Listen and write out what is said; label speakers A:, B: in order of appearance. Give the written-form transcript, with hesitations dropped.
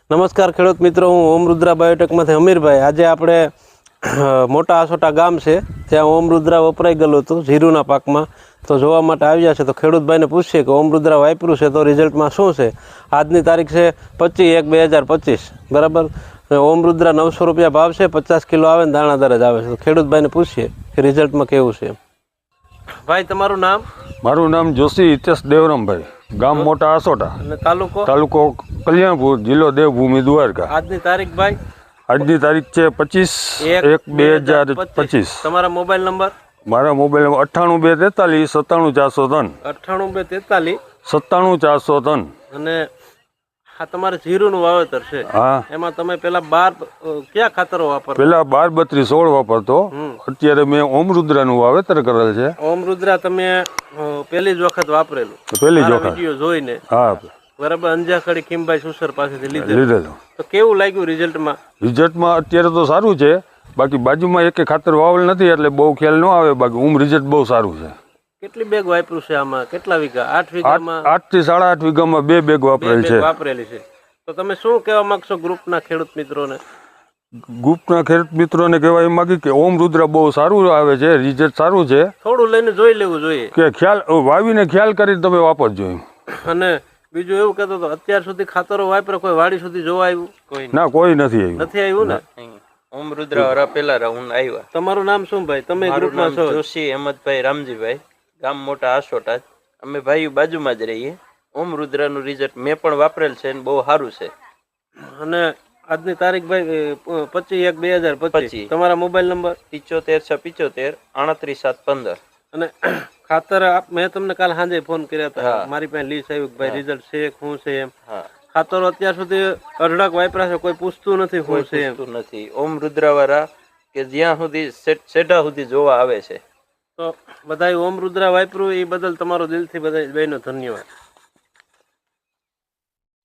A: નમસ્કાર ખેડૂત મિત્રો, હું ઓમ રુદ્રા બાયોટેકમાંથી અમીરભાઈ. આજે આપણે મોટા આસોટા ગામ છે ત્યાં ઓમ રુદ્રા વપરાઈ ગયેલું હતું જીરુના પાકમાં, તો જોવા માટે આવ્યા છે. તો ખેડૂતભાઈને પૂછીએ કે ઓમ રુદ્રા વાપર્યું છે તો રિઝલ્ટમાં શું છે. આજની તારીખ છે 25/1/2025, બરાબર. ઓમ રુદ્રા 900 રૂપિયા ભાવ છે, 50 કિલો આવે ને દાણાદાર જ આવે છે. તો ખેડૂતભાઈને પૂછીએ કે રિઝલ્ટમાં કેવું છે. ભાઈ, તમારું નામ?
B: મારું નામ જોશી હિતેશ દેવરામભાઈ, ગામ મોટા આસોટા,
A: અને તાલુકો
B: કલ્યાણપુર, જિલ્લો દેવભૂમિ, દ્વારકા.
A: આજની તારીખ ભાઈ?
B: આજની તારીખ છે 25/1/2025.
A: તમારા મોબાઈલ નંબર?
B: મારા મોબાઈલ નંબર 98 243 97403.
A: 98 243
B: 97403.
A: અને આ તમારે જીરુનું વાવેતર છે.
B: હા.
A: એમાં તમે પેલા 12 કયા ખાતરો વાપરતા?
B: પેલા 12-32-16 વાપરતો. અત્યારે મેં ઓમ રુદ્રાનું વાવેતર કરેલ છે.
A: ઓમ રુદ્રા તમે પહેલી જ વખત વાપરેલું?
B: પહેલી જ વખત
A: વિડીયો જોઈને.
B: હા,
A: બરાબર. અંજાખડી ખીમભાઈ સુસર પાસેથી લીધેલું. તો કેવું લાગ્યું રિઝલ્ટમાં?
B: રિઝલ્ટમાં અત્યારે તો સારું છે. બાકી બાજુમાં એક ખાતર વાવેલ નથી એટલે બહુ ખ્યાલ ન આવે. બાકી રિઝલ્ટ બહુ સારું છે.
A: કેટલી બેગ વાપર્યું છે આમાં? કેટલા વીઘા? 8 વીઘામાં?
B: 8 થી 8.5 વીઘામાં 2 બેગ વાપરેલી છે.
A: તો તમે શું કહેવા માંગશો ગ્રુપના ખેડૂત મિત્રોને?
B: ગ્રુપના ખેડૂત મિત્રોને કહેવા એમ માંગી કે ઓમ રુદ્રા બહુ સારું આવે છે, રિઝલ્ટ સારું છે.
A: થોડું લઈને જોઈ લેવું જોઈએ
B: કે ખ્યાલ વાવીને ખ્યાલ કરીને તમે વાપરજો એમ.
A: અને બીજું એવું કહેતો હતો, અત્યાર સુધી ખાતરો વાપર્યા કોઈ વાડી સુધી જોવા આવ્યું?
B: ના, કોઈ નથી આવ્યું.
A: નથી આવ્યું ને?
C: ઓમ રુદ્રા વાળા પેલા રાઉન્ડ આવ્યા.
A: તમારું નામ શું ભાઈ? તમે ગ્રુપમાં છો?
C: જોશી અહેમદભાઈ રામજીભાઈ, ગામ મોટા આસોટા. અમે ભાઈઓ બાજુમાં જ રહીએ. ઓમ રુદ્રાનું રિઝલ્ટ મેં પણ વાપરેલ છે અને બહુ સારું છે.
A: અને આજની તારીખ ભાઈ 25/1/2025. તમારા મોબાઈલ નંબર?
C: 75 675 38 715.
A: અને ખાતર મેં તમને કાલ સાંજે ફોન કર્યા હતા, મારી પાસે લીસ આવ્યું ભાઈ રિઝલ્ટ છે શું છે એમ. ખાતરો અત્યાર સુધી અઢળક વાપરા છે, કોઈ પૂછતું નથી શું છે એમ.
C: નથી. ઓમ રુદ્રા વાળા કે જ્યાં સુધી સેઢા સુધી જોવા આવે છે.
A: તો બધા ઓમ રુદ્રા વાપર્યું એ બદલ તમારો દિલથી બધા બહેનો ધન્યવાદ.